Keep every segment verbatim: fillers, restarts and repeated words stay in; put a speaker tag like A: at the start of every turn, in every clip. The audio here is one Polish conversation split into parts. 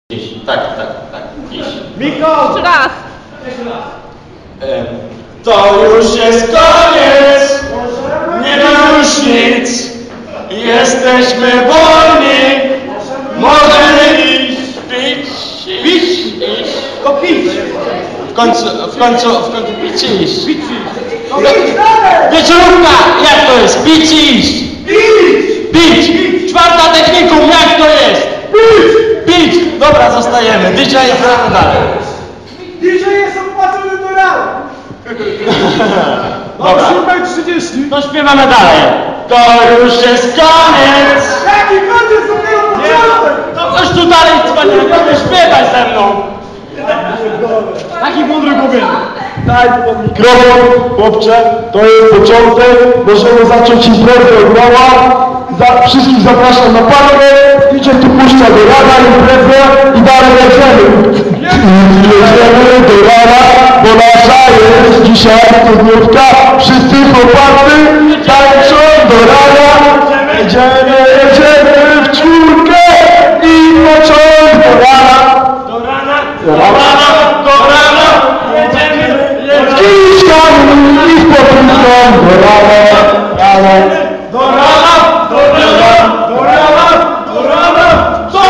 A: Dziś, tak, tak, tak, dziś.
B: Miko!
C: Jeszcze raz!
B: Jeszcze raz.
A: E, to już jest koniec! Nie ma już nic! Jesteśmy wolni! Możemy iść, pić, pić, iść.
B: To pić!
A: W końcu, w końcu, w końcu pić i iść.
B: Pić!
A: No, wieczorówka! Jak to jest? Pić i iść!
B: Pić!
A: Pić! Czwarta technikum, jak to jest?
B: Pić!
A: Pić! Dobra, zostajemy. Dzisiaj gramy dalej.
B: Dzisiaj jest opłacony do rana!
A: Dobra.
B: O siódma trzydzieści!
A: No śpiewamy dalej. To już jest koniec!
B: Jaki koniec, dopiero początek!
A: To chodź tu dalej, cwaniaku, nie śpiewaj ze mną!
B: Taki mądry głowie!
D: Daj pod mikrofon, chłopcze, to jest początek, możemy zacząć imprezę od nowa. Za, wszystkich zapraszam na parkę, idzie tu puszcza do rana imprezę i dalej jedziemy. Jedziemy do rana, bo nasza jest dzisiaj studniówka. Wszyscy chłopacy tańczą do rana. Jedziemy, jedziemy w czwórkę i początek do rana.
A: Do rana,
D: Do rana,
A: do rana, jedziemy, jedziemy.
D: I z kamień, i z podróżką do rana, rana.
A: Do rana, do rana, do rana, do rana, do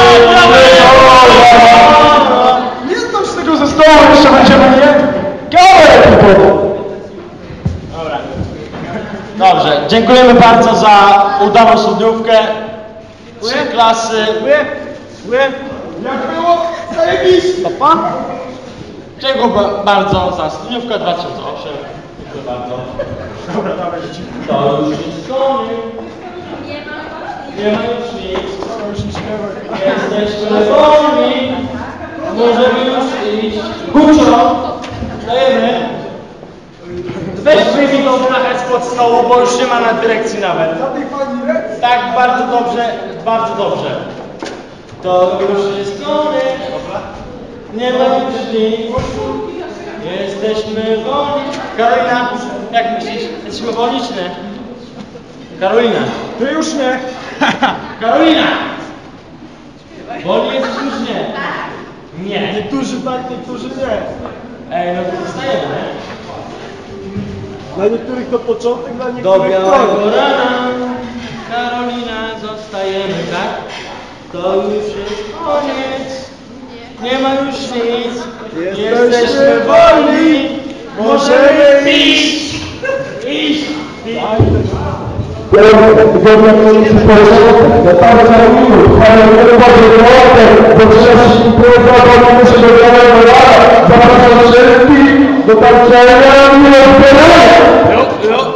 A: rana.
D: Nie znam z tego zespołu, jeszcze będziemy nie gałę tylko.
A: Dobra. Dobrze, dziękujemy bardzo za udaną studniówkę. Trzy klasy.
B: Dziękuję! Dziękuję! Jak było? Zajebiście!
A: Papa. Dziękuję ba- bardzo za studniówkę dwa tysiące osiem. Dziękuję bardzo.
B: Dobra, dawaj, dzieci.
A: To już jest koniec. Nie ma już nic.
B: Dobra, już nie śpiewaj.
A: Jesteśmy wolni. Możemy już iść. Gucio. Dajemy. Weź mi tą blachę spod stołu, bo już nie ma na dyrekcji nawet.
B: Za tej pani rec?
A: Tak, bardzo dobrze, bardzo dobrze. To już jest koniec. Nie ma już nic. Jesteśmy wolni. Karolina, jak myślisz? Jesteśmy wolni czy nie? Karolina.
B: Ty już nie!
A: Karolina! Wolni jesteśmy czy nie? Nie.
B: Niektórzy tak, niektórzy nie.
A: Ej, no to zostajemy, nie?
B: Dla niektórych to początek, dla
A: Do
B: niektórych
A: białego
B: koniec.
A: rana, Karolina, zostajemy, tak? To już jest koniec, nie ma już nic,
B: Jesteśmy
A: jesteśmy wolni, możemy iść, iść, iść.
D: Zgodnie z komisji społecznej, ja tam zajmuję, ale nie powiem o bo trzeba impreza, bo nie muszę do białego rana. Zapraszam wszystkich do tańczenia i rozbierania.
A: Jo, jo.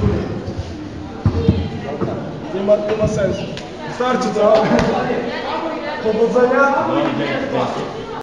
B: Nie ma, nie ma sensu. Wystarczy, co? Powodzenia?
A: No, dzięki, dzięki.